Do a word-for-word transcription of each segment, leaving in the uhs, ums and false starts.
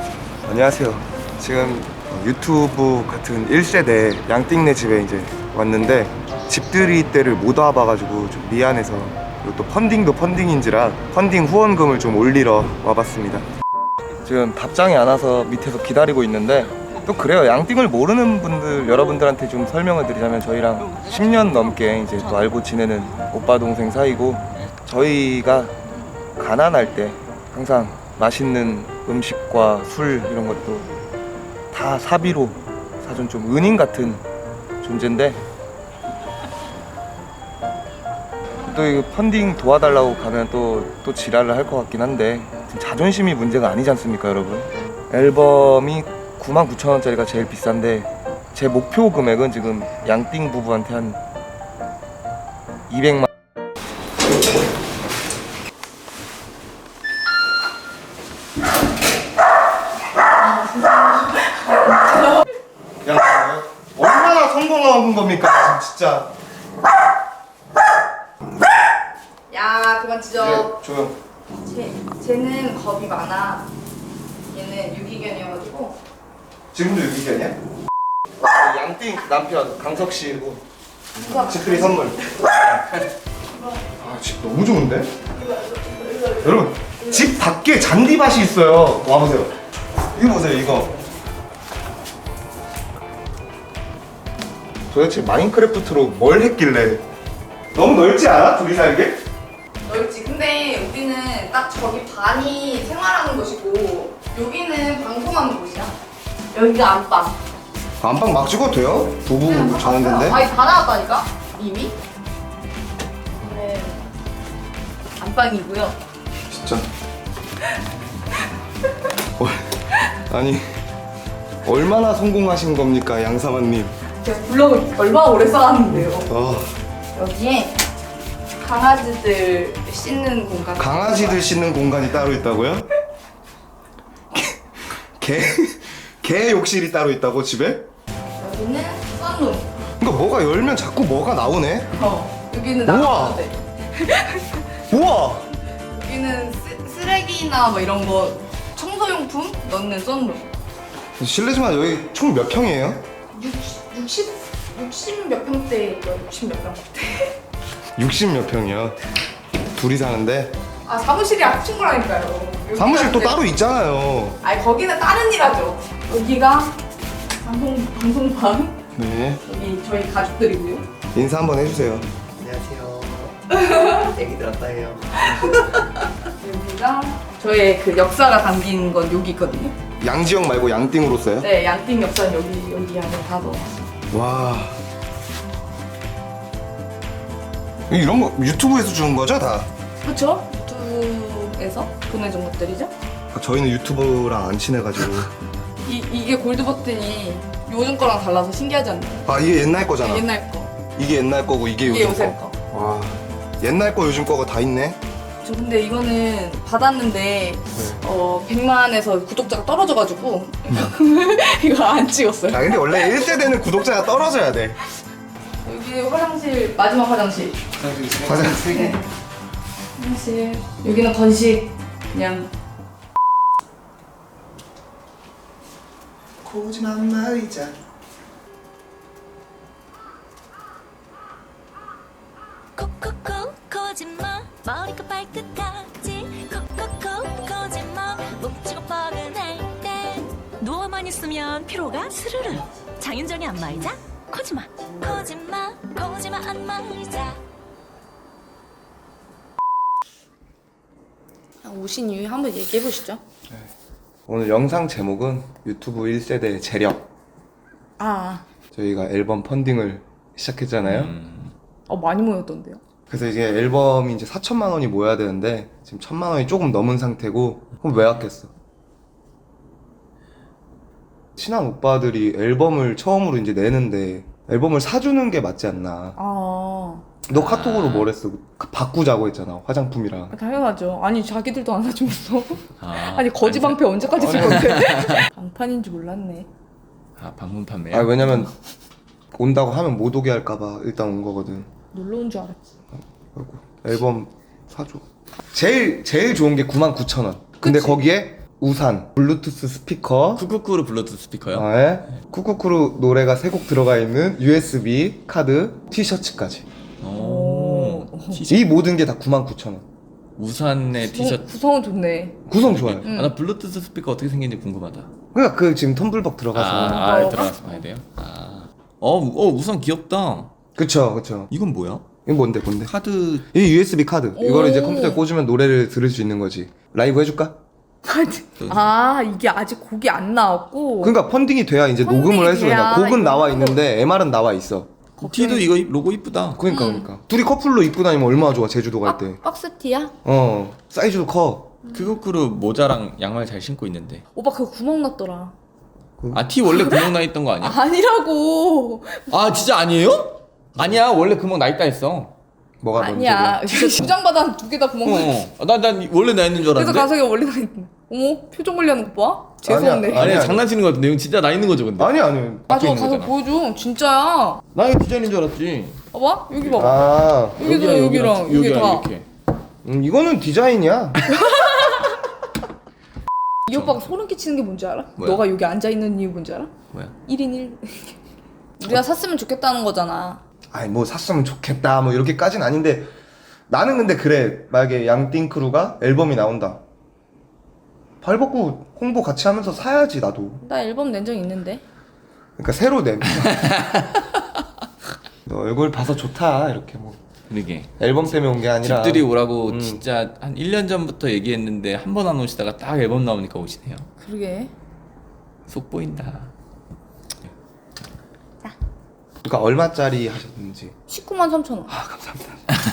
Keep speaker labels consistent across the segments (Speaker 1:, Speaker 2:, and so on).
Speaker 1: 안녕하세요. 지금 유튜브 같은 일 세대 양띵네 집에 이제 왔는데 집들이 때를 못 와봐가지고 좀 미안해서, 그리고 또 펀딩도 펀딩인지라 펀딩 후원금을 좀 올리러 와봤습니다. 지금 답장이 안 와서 밑에서 기다리고 있는데, 또 그래요. 양띵을 모르는 분들, 여러분들한테 좀 설명을 드리자면 저희랑 십 년 넘게 이제 또 알고 지내는 오빠 동생 사이고, 저희가 가난할 때 항상 맛있는 음식과 술 이런 것도 다 사비로 사준 좀 은인 같은 존재인데, 또 이거 펀딩 도와달라고 가면 또, 또 지랄을 할 것 같긴 한데, 자존심이 문제가 아니지 않습니까, 여러분? 앨범이 구만 구천 원짜리가 제일 비싼데, 제 목표 금액은 지금 양띵 부부한테 한 이백만. 야, 얼마나 성공한 겁니까, 진짜.
Speaker 2: 야, 그만 짖어.
Speaker 1: 네, 조용.
Speaker 2: 쟤, 쟤는 겁이 많아. 얘는 유기견이어가지고.
Speaker 1: 지금도 유기견이야? 양띵 남편 강석 씨고
Speaker 2: 누가
Speaker 1: 집들이 선물. 아, 집 너무 좋은데? 여러분, 집 밖에 잔디밭이 있어요. 와보세요. 이거 보세요, 이거. 도대체 마인크래프트로 뭘 했길래? 너무 넓지 않아? 둘이 살게?
Speaker 2: 넓지. 근데 우리는 딱 저기 반이 생활하는 곳이고, 여기는 방송하는 곳이야. 여기가 안방.
Speaker 1: 안방 막 찍어도 돼요? 부부 자는 데인데?
Speaker 2: 아니, 다 나왔다니까? 이미? 네. 안방이고요.
Speaker 1: 진짜? 어, 아니, 얼마나 성공하신 겁니까, 양사만님?
Speaker 2: 제가 블로그 얼마나 오래 써왔는데요.
Speaker 1: 어,
Speaker 2: 여기에 강아지들 씻는 공간.
Speaker 1: 강아지들 씻는 공간이 따로 있다고요? 개, 개 욕실이 따로 있다고, 집에?
Speaker 2: 여기는 썬룸.
Speaker 1: 그러니까 뭐가 열면 자꾸 뭐가 나오네?
Speaker 2: 어. 여기는
Speaker 1: 우와.
Speaker 2: 나가도 돼.
Speaker 1: 우와!
Speaker 2: 여기는 쓰, 쓰레기나 뭐 이런 거 청소용품 넣는 썬룸.
Speaker 1: 실례지만 여기 총 몇 평이에요?
Speaker 2: 육십, 육십 몇 평대 있고요. 육십 몇 평대.
Speaker 1: 육십 몇 평이요. 둘이 사는데?
Speaker 2: 아, 사무실이랑 합친 거라니까요.
Speaker 1: 사무실 또
Speaker 2: 여기가
Speaker 1: 따로 있잖아요.
Speaker 2: 아니, 거기는 다른 일 하죠. 여기가 방송, 방송방.
Speaker 1: 네.
Speaker 2: 여기 저희 가족들이고요.
Speaker 1: 인사 한번 해주세요.
Speaker 3: 안녕하세요. 얘기 들었다 해요.
Speaker 2: 여기가 저의 그 역사가 담긴 건 여기 있거든요.
Speaker 1: 양지영 말고 양띵으로 써요?
Speaker 2: 네, 양띵 역사는 여기, 여기 안에 다 넣어놨어요.
Speaker 1: 와. 이런 거 유튜브에서 주는 거죠, 다?
Speaker 2: 그렇죠? 유튜브에서 보내준 것들이죠.
Speaker 1: 저희는 유튜브랑 안 친해가지고.
Speaker 2: 이, 이게 골드 버튼이 요즘 거랑 달라서 신기하지 않나요?
Speaker 1: 아, 이게 옛날 거잖아.
Speaker 2: 옛날 거.
Speaker 1: 이게 옛날 거고 이게
Speaker 2: 이게
Speaker 1: 요즘
Speaker 2: 요새
Speaker 1: 거.
Speaker 2: 거.
Speaker 1: 와. 옛날 거 요즘 거가 다 있네.
Speaker 2: 저 근데 이거는 받았는데 어 백만에서 구독자가 떨어져가지고 이거 안 찍었어요.
Speaker 1: 아, 근데 원래 일 세대는 구독자가 떨어져야 돼.
Speaker 2: 여기 화장실, 마지막 화장실.
Speaker 1: 화장실.
Speaker 2: 네. 화장실. 여기는 건식. 그냥
Speaker 1: 고지만 말이자.
Speaker 4: 콕콕콕 거짓말 머리가 발끝까지 콕콕콕 거짓말 묵지고 뻐근할 때 누워만 있으면 피로가 스르르 장윤정이 안마의자 거짓말 거짓말 거짓말 안마의자.
Speaker 2: 오신 이유 한번 얘기해 보시죠.
Speaker 1: 오늘 영상 제목은 유튜브 일 세대 재력.
Speaker 2: 아,
Speaker 1: 저희가 앨범 펀딩을 시작했잖아요.
Speaker 2: 어 많이 모였던데요.
Speaker 1: 그래서 이게 앨범이 이제 사천만 원이 모여야 되는데 지금 천만 원이 조금 넘은 상태고. 그럼 왜 아꼈어? 친한 오빠들이 앨범을 처음으로 이제 내는데 앨범을 사주는 게 맞지 않나.
Speaker 2: 아,
Speaker 1: 너 카톡으로 뭘 했어? 바꾸자고 했잖아, 화장품이랑.
Speaker 2: 당연하죠. 아니 자기들도 안 사주면서.
Speaker 3: 아,
Speaker 2: 아니 거지 방패 언제까지 쓸 건데? 방판인 줄 몰랐네.
Speaker 3: 아, 방문 판매요?
Speaker 1: 아, 왜냐면 온다고 하면 못 오게 할까봐 일단 온 거거든.
Speaker 2: 놀러 온 줄 알았지.
Speaker 1: 아이고, 앨범 사줘. 제일 제일 좋은 게 구만 구천 원. 근데
Speaker 2: 그치?
Speaker 1: 거기에 우산, 블루투스 스피커,
Speaker 3: 쿠쿠쿠르 블루투스 스피커요?
Speaker 1: 아, 예? 쿠쿠쿠루 노래가 세 곡 들어가 있는 유에스비 카드, 티셔츠까지.
Speaker 3: 오. 티셔츠.
Speaker 1: 이 모든 게 다 구만 구천 원.
Speaker 3: 우산에 티셔츠.
Speaker 2: 구성은 좋네.
Speaker 1: 구성 좋아요.
Speaker 2: 응.
Speaker 3: 아, 나 블루투스 스피커 어떻게 생긴지 궁금하다.
Speaker 1: 그러니까 그 지금 텀블벅 들어가서.
Speaker 3: 아, 아
Speaker 2: 들어가?
Speaker 3: 들어가서 봐야 돼요? 아. 어, 우- 어 우산 귀엽다.
Speaker 1: 그쵸, 그쵸.
Speaker 3: 이건 뭐야?
Speaker 1: 이거 뭔데, 뭔데?
Speaker 3: 카드.
Speaker 1: 이 유에스비 카드. 이거를 이제
Speaker 2: 오.
Speaker 1: 컴퓨터에 꽂으면 노래를 들을 수 있는 거지. 라이브 해줄까?
Speaker 2: 아 이게 아직 곡이 안 나왔고.
Speaker 1: 그러니까 펀딩이 돼야 이제
Speaker 2: 펀딩이
Speaker 1: 녹음을 할 수가
Speaker 2: 돼야
Speaker 1: 있나. 곡은 나와
Speaker 2: 이거
Speaker 1: 있는데 엠알은 나와 있어.
Speaker 3: 티도 이거 로고 이쁘다.
Speaker 1: 그러니까
Speaker 2: 음.
Speaker 1: 그러니까 둘이 커플로 입고 다니면 얼마나 좋아 제주도 갈 때.
Speaker 2: 박스티야?
Speaker 1: 어 사이즈도 커.
Speaker 3: 쿠쿠쿠르 모자랑 양말 잘 신고 있는데.
Speaker 2: 오빠 그거 구멍 났더라.
Speaker 3: 아, 티 원래 구멍 나 있던 거 아니야?
Speaker 2: 아니라고.
Speaker 3: 아, 진짜 아니에요? 아니야, 원래 구멍 나 있다 했어.
Speaker 1: 뭐가
Speaker 2: 아니야. 부장바닥 두 개 다 구멍 나.
Speaker 3: 어, 난, 난 원래 나 있는 줄
Speaker 2: 그래서
Speaker 3: 알았는데.
Speaker 2: 가석이 원래 나 있는. 어머 표정 관리하는 거 봐. 죄송한데.
Speaker 1: 아니야,
Speaker 3: 아니,
Speaker 1: 아니야.
Speaker 3: 장난치는 거 같은데. 이건 진짜 나 있는 거죠, 근데.
Speaker 1: 아니 아니.
Speaker 2: 아, 저
Speaker 3: 있는
Speaker 2: 가서
Speaker 3: 거잖아.
Speaker 2: 보여줘. 진짜야.
Speaker 3: 나 이거 디자인인 줄 알았지.
Speaker 2: 봐봐. 여기 봐봐.
Speaker 1: 아
Speaker 2: 여기도 여기랑 여기 다.
Speaker 3: 이렇게.
Speaker 1: 음, 이거는 디자인이야.
Speaker 2: 이 오빠가 소름 끼치는 게 뭔지 알아?
Speaker 3: 뭐야?
Speaker 2: 너가 여기 앉아 있는 이유 뭔지 알아?
Speaker 3: 뭐야?
Speaker 2: 일 인 일. 우리가 샀으면 좋겠다는 거잖아.
Speaker 1: 아니 뭐 샀으면 좋겠다 뭐 이렇게까진 아닌데 나는 근데 그래 만약에 양띵크루가 앨범이 나온다. 발 벗고 홍보 같이 하면서 사야지 나도.
Speaker 2: 나 앨범 낸 적 있는데.
Speaker 1: 그러니까 새로 내. 너 얼굴 봐서 좋다 이렇게 뭐
Speaker 3: 그러게.
Speaker 1: 앨범 때문에 온 게 아니라.
Speaker 3: 집들이 오라고
Speaker 1: 음.
Speaker 3: 진짜 한 일 년 전부터 얘기했는데 한 번 안 오시다가 딱 앨범 나오니까 오시네요.
Speaker 2: 그러게.
Speaker 3: 속 보인다.
Speaker 1: 그러니까 얼마짜리 하셨는지.
Speaker 2: 십구만 삼천 원.
Speaker 1: 아 감사합니다.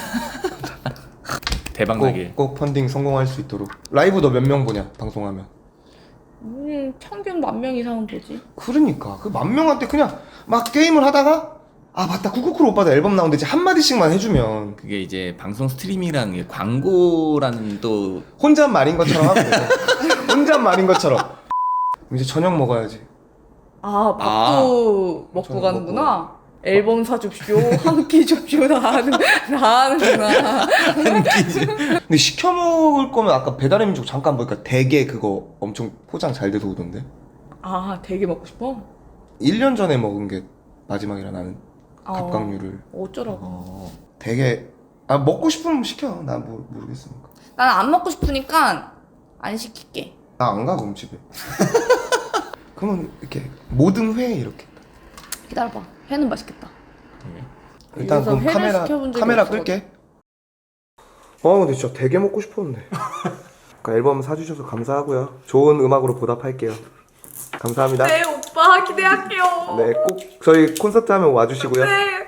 Speaker 3: 대박 나길.
Speaker 1: 꼭, 꼭 펀딩 성공할 수 있도록. 라이브 너 몇 명 보냐 방송하면?
Speaker 2: 음, 평균 만 명 이상은 보지.
Speaker 1: 그러니까 그 만 명한테 그냥 막 게임을 하다가 아 맞다 쿠쿠쿠로 오빠도 앨범 나오는데 이제 한 마디씩만 해주면
Speaker 3: 그게 이제 방송 스트리밍이라는 게 광고라는 또
Speaker 1: 혼잣말인 것처럼 하면 돼. 혼잣말인 것처럼. 이제 저녁 먹어야지.
Speaker 2: 아, 밥도 먹고
Speaker 1: 저는
Speaker 2: 가는구나. 앨범 사줍쇼, 한 끼 줍쇼, 다 하는, 다 하는구나.
Speaker 1: 근데 시켜 먹을 거면 아까 배달의 민족 잠깐 보니까 대게 그거 엄청 포장 잘 돼서 오던데.
Speaker 2: 아, 되게 먹고 싶어?
Speaker 1: 일 년 전에 먹은 게 마지막이라 나는
Speaker 2: 아,
Speaker 1: 갑각류를.
Speaker 2: 어쩌라고.
Speaker 3: 어,
Speaker 1: 되게 아 먹고 싶으면 시켜. 나 뭐, 모르겠으니까.
Speaker 2: 나는 안 먹고 싶으니까 안 시킬게.
Speaker 1: 나 안 가 그럼 집에. 그러면 이렇게 모든 회 이렇게.
Speaker 2: 기다려봐. 회는 맛있겠다.
Speaker 1: 일단
Speaker 2: 여기서
Speaker 1: 그럼
Speaker 2: 회를
Speaker 1: 카메라
Speaker 2: 시켜본 적이
Speaker 1: 카메라
Speaker 2: 없어가지고.
Speaker 1: 끌게. 아 근데 진짜 되게 먹고 싶었는데. 그러니까 앨범 사주셔서 감사하고요. 좋은 음악으로 보답할게요. 감사합니다.
Speaker 2: 네, 오빠 기대할게요.
Speaker 1: 네, 꼭 저희 콘서트 하면 와주시고요.
Speaker 2: 네.